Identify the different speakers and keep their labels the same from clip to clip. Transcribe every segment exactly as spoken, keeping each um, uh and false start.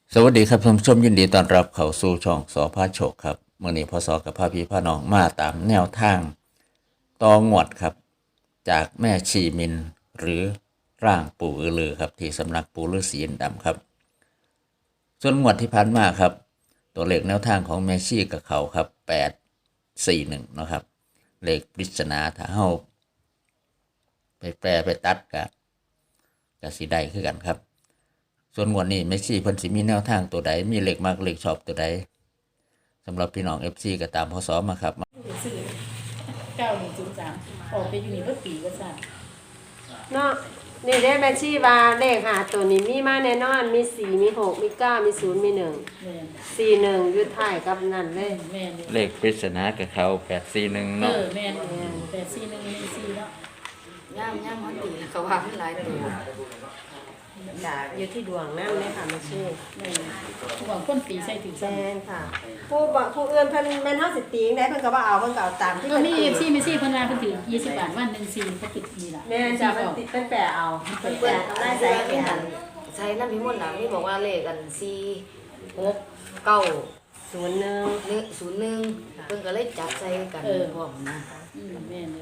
Speaker 1: สวัสดีครับท่านผู้ชมยินดีต้อนรับเข้าสู่ช่องสอพาโชคครับเมื่อนี้พศกับพาพี่พาน้องมาตามแนวทางตองวดครับจากแม่ชีมินหรือร่างปู่อือลือครับที่สำนักปู่ฤาษีอินทร์ดำครับส่วนงวดที่ผ่านมาครับตัวเลขแนวทางของแม่ชีกับเขาครับแปดสี่หนึ่งนะครับเลขปริศนาถ้าเฮาไปแปลไปตัดกับกับสีใดคือกันครับส่วนงวดนี้แม่ชีเพิ่นสิมีแนวทางตัวใดมีเลขมากเลขชอบตัวใดสำหรับพี่น้อง เอฟ ซี ก็ตามพศมาครับ
Speaker 2: ซื้อเก้าหนึ่งศูนย์สามออกไปอยู่นี่เมื่อปีก็ทราบ
Speaker 3: เนาะนี่ได้แม่ชีว่าเลขหาตัวนี้มีมาแน่นอนมีสี่มีหกมีเก้ามีศูนย์มีหนึ่งสี่หนึ่งยุดถ่ายกับนั่นเลย
Speaker 2: แม่น
Speaker 1: เลขปริศนากับเขาแปดสี่หนึ่งเนาะ
Speaker 2: เออแม่นแปดสี่หนึ่งหนึ่งสี่เนาะ
Speaker 4: ย่ามย่ามมันตีเขาว่ามันหลายตัว
Speaker 3: จ้ะอยู่ที่ดวงนั่นเลยค่ะแม่ชี
Speaker 2: แม่นหวังคนตีใส่ถึง
Speaker 3: แม่นค่ะผู้บอกผู้อื่นเพิ่นแม่นเฮาสิตีจังได๋เพิ่นก็บ่เอาเพิ่นก็เอาตามที่
Speaker 2: เพิ่นมี เอฟ ซี แม่ซี่เพิ่นว่าเพิ่นถือยี่สิบบาทวันหนึ่งสี่เพิ่นติดนี่ล่ะ
Speaker 3: แม่นจ้ะเพิ่นติดเพิ่นแปะเอาเพิ่นแปะกำไรใส่กัน
Speaker 4: ใช้น้ำพิมพ์น่ะมีบอกว่าเลขกันสี่หกเก้า
Speaker 3: ศูนย์หนึ่ง
Speaker 4: หนึ่งศูนย์หนึ่งเพิ่นก็เลยจับใส่กันพร้อมนะ
Speaker 2: อืมแม่นเลย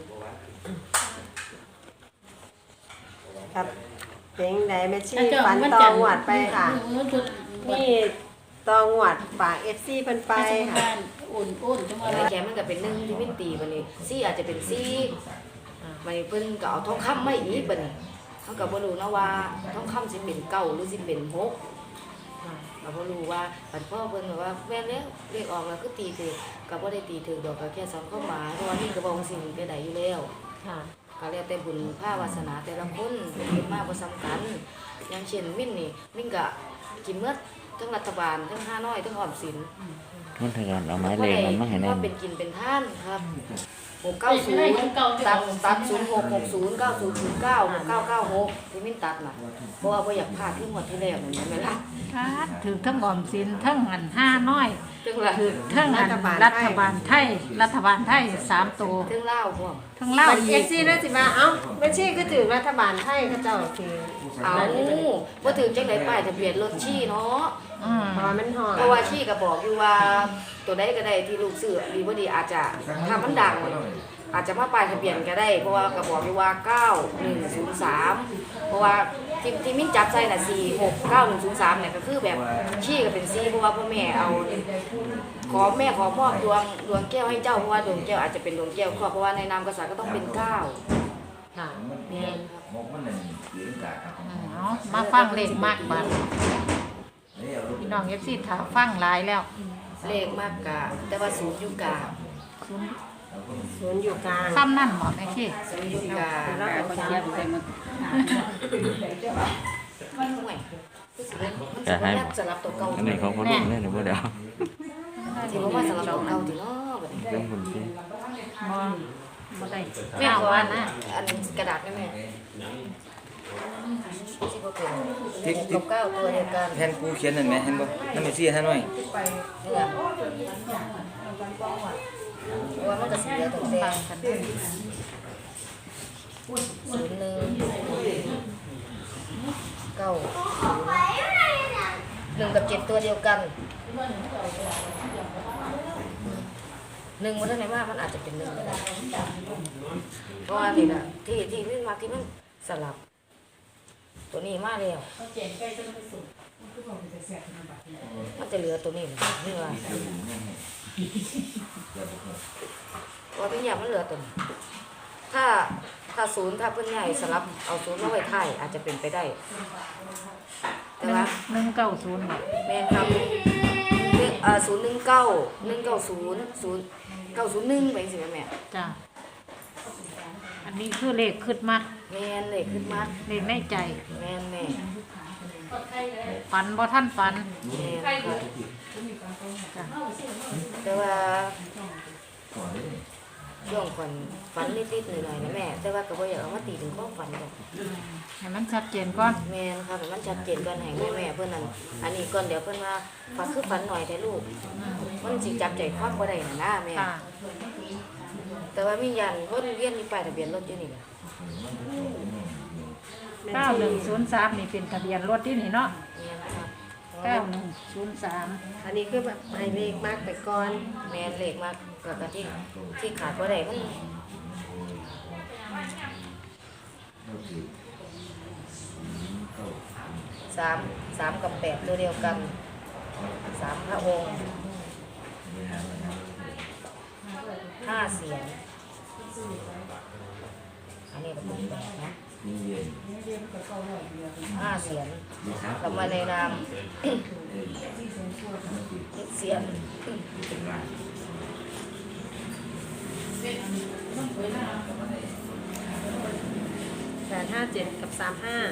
Speaker 3: ครับเป็นไดแม่ชีฝันตองหวัดไปค่ะนี่ตองหวัดฝาก เอฟ ซี เพิ่นไปค่ะ
Speaker 2: อุ่นอุ่นจังว่า
Speaker 4: แกมันก็เป็นหนึ่งที่มันตีบัดนี้สี่อาจจะเป็นสี่บัดนี้เพิ่นก็เอาทองคำมาอีกบัดนี้เฮาก็บ่รู้นะว่าทองคำสิเป็นเก้าหรือสิเป็นหกก็บ่รู้ว่าบัดพ่อเพิ่นก็ว่าแม่นแล้วเลขออกแล้วคือตีถูกก็บ่ได้ตีถูกดอกก็แค่ซ้ำเข้ามาเพราะว่านี่ก็บ่ว่าสิ่งไปได้อยู่แล้ว
Speaker 3: ค่ะ
Speaker 4: ก็แล้วแต่บุญภาวาสนาแต่ละคนเป็นมากบ่ซ้ำกันอย่างเช่นมิ้นนี่มิ้นก็กินเมื่อทั้งรัฐบาลทั้งห้าน้อยทั้งออมสิน
Speaker 1: มันทยานเอาไม้เลขมันมาให้แน่
Speaker 4: ว่าเป็นกินเป็นท่านครับหกเก้าศูนย์ตัดตัดศูนย์หกหกศูนย์เก้าศูนย์ศูนย์เก้าเก้าเก้าหกที่มิ้นตัดน่ะเพราะว่าบ่อยากพลาดที่หมดที่แล้วนั่นแม่นล่ะ
Speaker 5: ครับถือทั้งออมสินทั้งหันห้าน้อย
Speaker 4: ถึงล่ะ
Speaker 5: ถือทั้งรัฐบาลรัฐบาลไทยรัฐบาลไทยสามตัว
Speaker 4: ถึงลาวพวก
Speaker 5: ทั้งลาว
Speaker 3: อีก เอฟ ซี น่าสิว่าเอ้าแม่ชีก็ถือรัฐบาลไทยเขาเจ้าคือ
Speaker 4: เอาบ่ถือจังได๋ป้ายทะเบียนรถชี้เนาะ
Speaker 5: อืม
Speaker 3: เพราะว่ามันฮอด
Speaker 4: เพราะว่าชี้ก็บอกอยู่ว่าตัวใดก็ได้ที่ลูกซื้อดีบ่ดีอาจจะถ้ามันดังอาจจะมาป้ายทะเบียนก็ได้เพราะว่าก็บอกอยู่ว่าเก้าหนึ่งศูนย์สามเพราะว่าที่ที่มิ้นจับใส่น่ะสี่หกเก้าหนึ่งศูนย์สามเนี่ยก็คือแบบชี้ก็เป็นสี่เพราะว่าพ่อแม่เอาขอแม่ขอมอบดวงดวงแก้วให้เจ้าเพราะว่าดวงแก้วอาจจะเป็นดวงแก้วครอบเพราะว่าในนามกษัตริย์ก็ต้องเป็นเก้า
Speaker 3: ค่ะ
Speaker 4: เนี่ย
Speaker 5: เอามาฟังเลขมากบัดพี่น้องเอฟซีถามฟังหลายแล้ว
Speaker 4: เลขมากกะแต่ว่าศูนย์อยู่กลาง
Speaker 3: ศูนย์อยู่กลาง
Speaker 5: ซ้ำนั่นหมดไหมพี่
Speaker 4: ศูนย์อยู่กลาง
Speaker 2: แล้วก็เสียไปหมด
Speaker 4: มันห่วยมันให้สลับตัวเก่า
Speaker 1: อันนี้เขาเขาลงเล่นหรือเปล่าเดี๋ยว
Speaker 4: ที่ว่าสลับตัวเก่าที่เนาะแบบนี้
Speaker 1: เรื่องคนที่
Speaker 5: บ่บ่ได้
Speaker 4: แม่ว่านะอันกระดาษได้ไหมที่เขาเป็นที่เก้าตัวเดียวกัน
Speaker 6: แทนกูเขียนนั่นไหมเห็นบ่นั่นไม่เสียท่านหน่อย
Speaker 4: ว่ามันจะเสียตัวเต็มศูนย์หนึ่งเก้าหนึ่งกับเจ็ดตัวเดียวกันหนึ่งมันเท่าไหร่ว่ามันอาจจะเป็นหนึ่งก็ได้เพราะว่านี่นะที่ที่นี่มาที่มันสลับตัวนี้มาแล้วมันจะเหลือตัวนี้นี่ว่าว่าเป็นอย่างมันเหลือตัวนี้ถ้าถ้าศูนย์ถ้าเพื่อนใหญ่สลับเอาศูนย์มาไว้ไทยอาจจะเป็นไปได้แต่ว่า
Speaker 5: หนึ่งเก้าศูนย์
Speaker 4: แม่ครับอ่าศูนย์หนึ่งเก้าหนึ่งเก้าศูนย์ศูนย์เก้าศูนย์หนึ่งไปสิแม่
Speaker 5: จ้ะอันนี้คือเลขขึ้นมา
Speaker 4: แม่นเลขขึ้นมา
Speaker 5: เลขในใจ
Speaker 4: แม่นแม่
Speaker 5: ฝันบ่ท่านฝัน
Speaker 4: แม่นแต่ว่าช่วงฝันฝันนิดๆหน่อยๆนะแม่แต่ว่าก็บ่อยากเอามาตีถึงข้อฝันหรอก
Speaker 5: ให้มันชัดเจนก่อน
Speaker 4: แม่นค่ะให้มันชัดเจนก่อนให้แม่ๆเพิ่นนั่นอันนี้ก่อนเดี๋ยวเพิ่นว่าฝันคือฝันหน่อยแต่ลูกมันสิจับใจความบ่ได้น่ะนะแม่แต่ว่ามียันคนเรียนมีป้ายทะเบียนรถอยู่นี่
Speaker 5: เก้าหนึ่งศูนย์สามนี่เป็นทะเบียนรถที่นี่เนาะ
Speaker 4: แม่นครับ
Speaker 5: เก้าหนึ่งศูนย์สาม
Speaker 3: อันนี้คือแบบให้เลขมากไปก่อน
Speaker 4: แม่นเลขมากก็ก็ที่ที่ขาดบ่ได้มันสามสามกับแปดตัวเดียวกันสามพระองค์ห้าเสียงอันนี้ก็เป็นแปดนะห้าเสียงกลับมาในนามเสียง
Speaker 3: แปดห้าเจ็ดกับสามห้า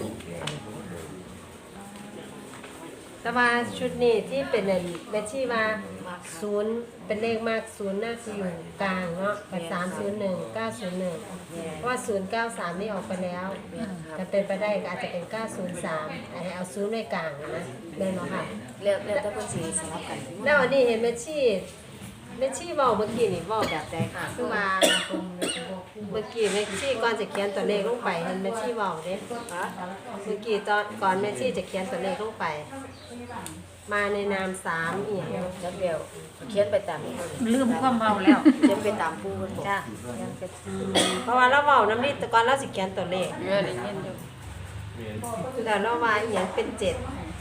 Speaker 3: แต่ว่าชุดนี้ที่เป็นอันเบชชี่ว่าศูนย์เป็นเลขมากศูนย์น่าจะอยู่กลางเนาะกับสามศูนย์หนึ่งเก้าศูนย์หนึ่งเพราะว่าศูนย์เก้าสามนี่ออกไปแล้วแต่เป็นไปได้ก็อาจจะเป็นเก้าศูนย์สามให้เอาศูนย์ไว้กลางนะเล่นเนาะค่ะ
Speaker 4: เรียกเรียกแต่เพิ่นสิสลับกัน
Speaker 3: แล้วอันนี้เห็นเบชชี่เบชชี่เว้าเมื่อกี้นี่เว้าแบบใดค่ะคือว่าเมื่อกี้เบชชี่ก่อนจะเขียนตัวเลขลงไปเห็นเบชชี่เว้าเด้
Speaker 4: ฮะ
Speaker 3: เมื่อกี้ตอนก่อนเบชชี่จะเขียนตัวเลขลงไป มาในนามสามอีก
Speaker 4: จักเดียวเขียนไปตาม
Speaker 5: ลืมความเมาแล้ว
Speaker 4: เขียนไปตามผู้เพิ่นบอก
Speaker 5: จ้ะ
Speaker 3: เพราะว่าเราเว้าน้ำนิดแต่ก่อนเราสิเขียนตัวเลข
Speaker 5: เออได้ยินอยู่
Speaker 3: แล้วเราว่าอีหยังเป็นเจ็ด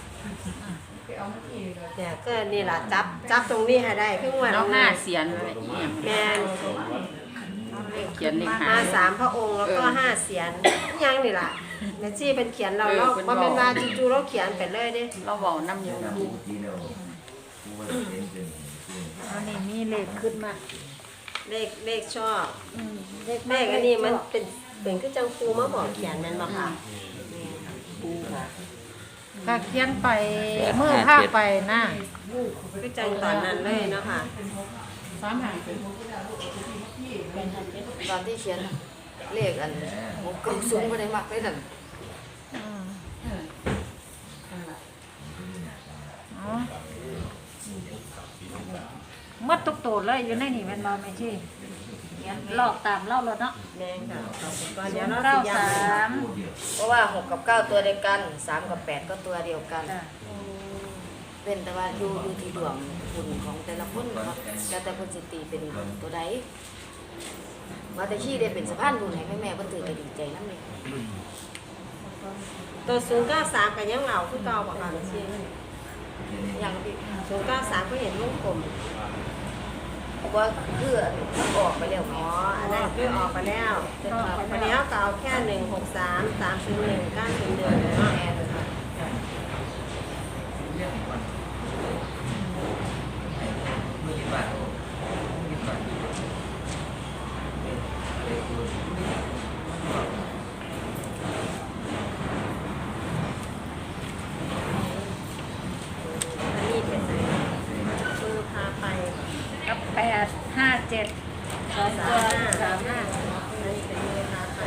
Speaker 3: เนี่ยก็นี่ล่ะจับจับตรงนี้ให้ได้คือว่า
Speaker 5: เราห้าเสียนเลย
Speaker 3: แม่น
Speaker 5: เขียนเลข
Speaker 3: มา
Speaker 5: ห้า
Speaker 3: สามพระองค์แล้วก็ห้าเสียนอิหยังนี่ล่ะแม่จี้เป็นเขียนเรา
Speaker 5: เออ
Speaker 3: เรา
Speaker 5: เพิ่น
Speaker 3: บ่
Speaker 5: บอก
Speaker 3: แม่นว่าจู่ๆเราเขียนไปเลยเด้
Speaker 5: เราบอกน้ำอยู่อันนี้มีเลขขึ้นมา
Speaker 3: เลขเลขชอบเลขอันนี้มันเป็นเป็นคือจังครูมาบอกเขียนแม่นบ่ค่ะ
Speaker 5: ถ้าเขียนไปเมื่อภาพไปนะ
Speaker 3: คือจังตอนนั้นเลยเนาะค่ะ
Speaker 2: สามหาง
Speaker 4: ตอนที่เขียนเลขอันหกเก้าสูงบ่ได้มักเลยนั่น
Speaker 5: อ๋อเมื่อตุกโตดเลยอยู่ในนี่แมันบอไม่ใช่ลอกตามเล่าแล้วเนาะ
Speaker 3: แม่นค่ะก่อนเดี๋ยวเรา
Speaker 5: เก้า
Speaker 3: สิย้ำ
Speaker 5: สาม
Speaker 4: เพราะว่าหกกับเก้าตัวเดียวกันสามกับแปดก็ตัวเดียวกัน
Speaker 5: จ้ะ
Speaker 4: เป็นแต่ว่าดูดูที่ดวงคุณของแต่ละคนเนาะแล้วแต่คนสิตีเป็นตัวใดว่าแต่ขี้ได้เป็นสะพานบุญให้แม่แม่ๆเพิ่นถือก็ดีใจนำเลย
Speaker 3: ตัวศูนย์เก้าสามก็ยังเอาคือเก่าบ่ค่ะแม่จี้
Speaker 4: อย่างพี่
Speaker 3: ศูนย์เก้าสามก็เห็นวงกลม
Speaker 4: ว่าเพื่อมันออกไปแล้ว
Speaker 3: อ๋ออันนั้นคือออกไปแล้ววันนี้เขาก็เอาแค่หนึ่งหกสามสามศูนย์หนึ่งเก้าศูนย์หนึ่งเนาะ
Speaker 4: แม่เลยค่ะ
Speaker 3: อันนี้เป็นมือพาไป
Speaker 5: กับแปดห้าเจ็ดสอง
Speaker 3: สา
Speaker 5: ตัว
Speaker 3: มห้า
Speaker 5: สามห้า
Speaker 3: อันนี้เป็นมือพาไป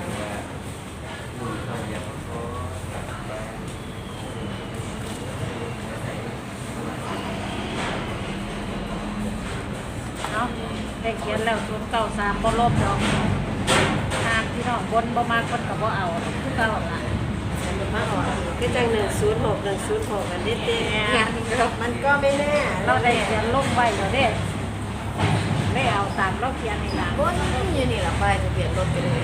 Speaker 5: เนาะได้เขียนแล้วศูนย์เก้าสามบ่ลบดอกทางที่น้องบนบ่มากคนกับบ่เอาคือเก่าล่ะ
Speaker 3: อันนี้มาออกคือจังหนึ่งศูนย์หกหนึ่งศูนย์หกอันนี้เต้มันก็ไม่แน่
Speaker 5: เราได้เขียนลงไว้แล้วเด้ได้เอาตามเราเขียนนี่ล่ะ
Speaker 4: บนอยู่นี่ล่ะไปทะเบียนรถไปเลย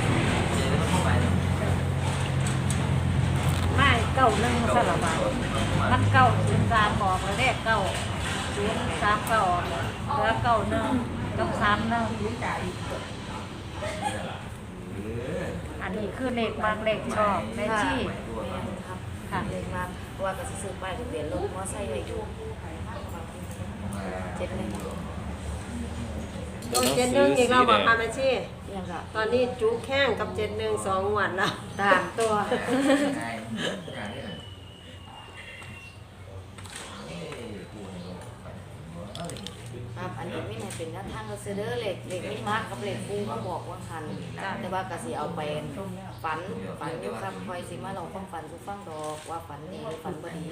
Speaker 5: ไม่เก้าหนึ่งสลับอ่ะมันเก้าศูนย์สามบอกแล้วเด้เก้าศูนย์สามเก้าเหลือเก้าหนึ่งกับสามหนึ่งอันนี้คือเลขบางเลขชอบในที่
Speaker 4: ครับ
Speaker 5: ค่ะ
Speaker 4: เลขมาเพราะว่าก็สิซื้อป้ายทะเบียนรถมอไซค์ไว้อยู่เจ็ดหนึ่ง
Speaker 3: ตัวเจ็ดหนึ่งอีกเราบอกพามาชี่
Speaker 4: ยังก็
Speaker 3: ตอนนี้จุแข้งกับเจ็ดหนึ่งสองวันแล้ว
Speaker 4: ตามตัวครับอันนี้ไม่ให้เป็นหน้าทางก็ซื้อเด้อเหล็กเหล็กไม่มากกับเหล็กปูเขาบอกว่าคันแต่ว่ากะสิเอาไปฝันฝันอยู่ครับคอยสิมาเราความฝันทุกฟังดอกว่าฝันดีฝันบ่ดี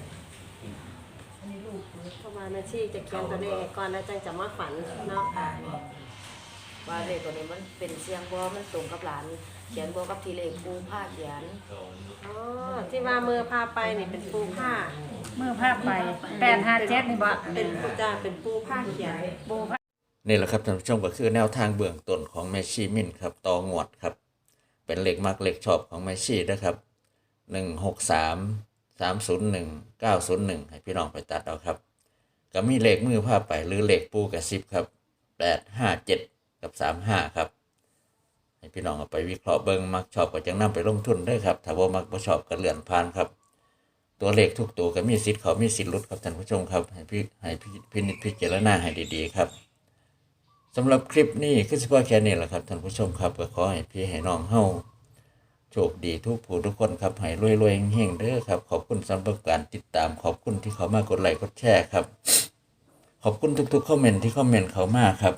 Speaker 3: เพราะว่าแม่ชี่จะเขียนตัวเลขให้ก่อนแล้วจังจะมาฝันเนาะ
Speaker 4: ว่าเลขตัวนี้มันเป็นเสียงบ่มันตรงกับหลาน เขียนบ่กับที่เลขปูผ้าเขียน
Speaker 3: อ๋อที่ว่ามือพาไปนี่เป็นปูผ้า
Speaker 5: มือภาพไปแปดห้าเจ็ดนี่บ่
Speaker 3: เป็นปูจ้าเป็นปูผ้าเขียน
Speaker 5: ปูพระ
Speaker 1: นี่แหละครับท่านผู้ชมก็คือแนวทางเบื้องต้นของแม่ชีมินครับต่องวดครับ เป็นเลขมักเลขชอบของแม่ชีนะครับหนึ่งหกสามสามศูนย์หนึ่งเก้าศูนย์หนึ่งให้พี่น้องไปตัดเอาครับก็มีเลขมือผ้าไปหรือเลขปูกับสิบครับแปดห้าเจ็ดกับสามห้าครับให้พี่น้องเอาไปวิเคราะห์เบิ่งมักชอบก็จังนำไปลงทุนได้ครับถ้าว่ามักบ่ชอบก็เลื่อนผ่านครับตัวเลขทุกตัวก็มีสิทธิ์เขามีสิทธิ์หลุดครับท่านผู้ชมครับให้พี่ให้พี่พินิจพิจารณาให้ดีๆครับสำหรับคลิปนี้คือเฉพาะแค่นี้แหละครับท่านผู้ชมครับก็ขอให้พี่ให้น้องเฮาโชคดีทุกผู้ทุกคนครับให้รวยๆเฮงๆเด้อครับขอบคุณสำหรับการติดตามขอบคุณที่เขามากดไลค์กดแชร์ครับขอบคุณทุกๆคอมเมนต์ที่คอมเมนต์เขามาครับ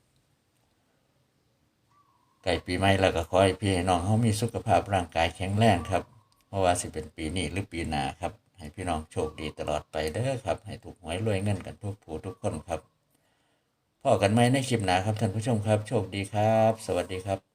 Speaker 1: ใกล้ปีใหม่แล้วก็ขอให้พี่ให้น้องเฮามีสุขภาพร่างกายแข็งแรงครับเพราะว่าสิเป็นปีนี้หรือปีหน้าครับให้พี่น้องโชคดีตลอดไปเด้อครับให้ถูกหวยรวยเงินกันทุกผู้ทุกคนครับพอกันไหมในคลิปหน้าครับท่านผู้ชมครับโชคดีครับสวัสดีครับ